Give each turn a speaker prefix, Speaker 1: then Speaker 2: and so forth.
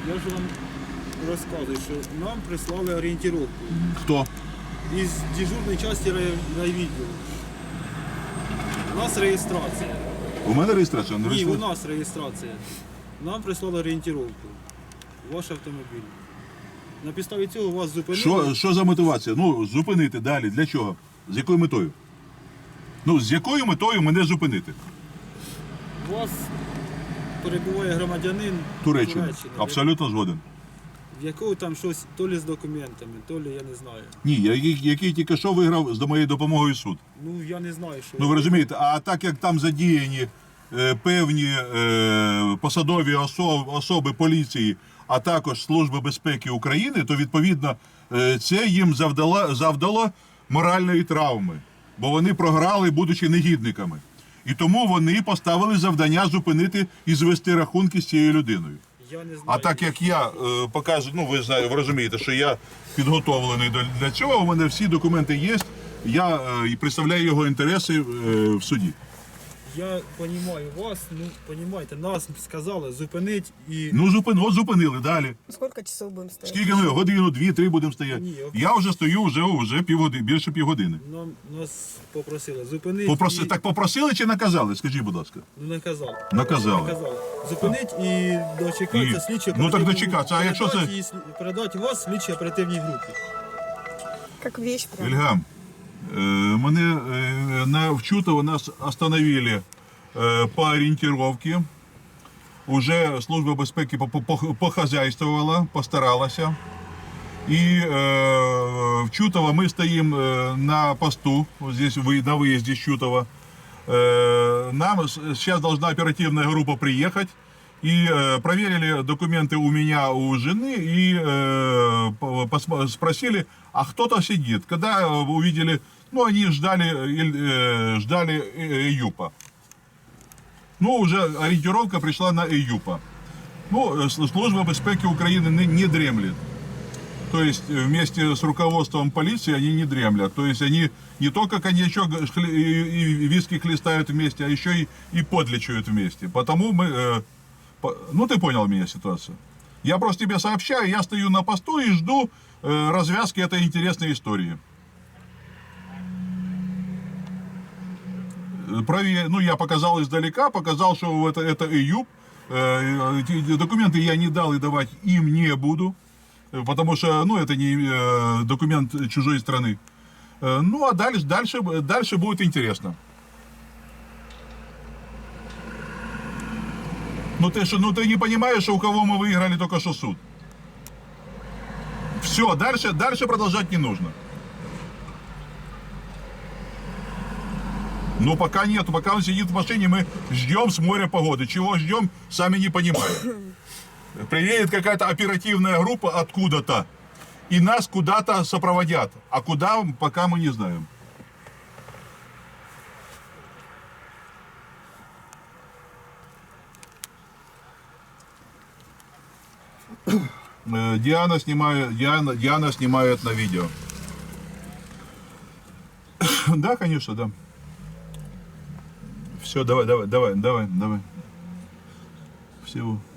Speaker 1: Я ж вам розказую, що нам прислали орієнтировку
Speaker 2: Хто?
Speaker 1: із дежурної частини райвідділу. У нас реєстрація.
Speaker 2: У мене реєстрація? Не
Speaker 1: Ні, у
Speaker 2: реєстрація?
Speaker 1: нас реєстрація. Нам прислали орієнтировку. Ваш автомобіль. На підставі цього вас зупинили.
Speaker 2: Що за мотивація? Ну, зупинити далі. Для чого? З якою метою? Ну, з якою метою мене зупинити?
Speaker 1: У вас перебуває громадянин
Speaker 2: Туреччина. Абсолютно згоден.
Speaker 1: в якого там щось то лі з документами, то лі я не знаю.
Speaker 2: Ні, який тільки що виграв з моєю допомогою суд.
Speaker 1: Ну я не знаю, що.
Speaker 2: Ну ви розумієте, а так як там задіяні певні посадові особи поліції, а також Служби безпеки України, то відповідно це їм завдало моральної травми, бо вони програли, будучи негідниками. І тому вони поставили завдання зупинити і звести рахунки з цією людиною.
Speaker 1: Я не знаю.
Speaker 2: А так як я показую, ну ви розумієте, що я підготовлений для цього, у мене всі документи є, я представляю його інтереси в суді.
Speaker 1: Я розумію вас, ну розумієте, нас сказали зупинить і.
Speaker 2: Ну от зупинили далі.
Speaker 3: Сколько часов будем стоять?
Speaker 2: Скільки ми? Годину, 2-3 будемо стояти.
Speaker 1: Ні,
Speaker 2: Я вже стою вже півгодини, більше півгодини.
Speaker 1: Нас попросили зупинить. І...
Speaker 2: Так попросили чи наказали? Скажіть, будь ласка.
Speaker 1: Ну наказали.
Speaker 2: Наказали.
Speaker 1: Зупинить і дочекатися слідчі
Speaker 2: Ну так дочекатися, а якщо це...
Speaker 1: Передати вас слідчій оперативній групі.
Speaker 3: Как вещь прям.
Speaker 2: Ільгам, мене в Чутово нас остановили по ориентировке. Уже Служба безпеки похозяйствовала, постаралася. И в Чутово мы стоим на посту, вот здесь на выезде с Чутова. Нам сейчас должна оперативная группа приехать. И проверили документы у меня, у жены, и спросили, а кто-то сидит. Когда увидели, ну они ждали ЭЮПа. Ну уже ориентировка пришла на ЭЮПа. Ну, Служба безпеки Украины не дремлет. То есть вместе с руководством полиции они не дремлят. То есть они не только коньячок и виски хлестают вместе, а еще и подлечают вместе. Потому мы... Ну, ты понял меня ситуацию. Я просто тебе сообщаю, я стою на посту и жду развязки этой интересной истории. Ну, я показал издалека, показал, что это ЭЮП. Документы я не дал и давать им не буду. Потому что, ну, это не документ чужой страны. Ну, а дальше будет интересно. Ну ты не понимаешь, что у кого мы выиграли только что суд. Все, дальше продолжать не нужно. Ну пока нет, пока он сидит в машине, мы ждем с моря погоды. Чего ждем, сами не понимаем. Приедет какая-то оперативная группа откуда-то, и нас куда-то сопроводят. А куда, пока мы не знаем. Диана снимает на видео. Да, конечно, да. Все, давай. Всего.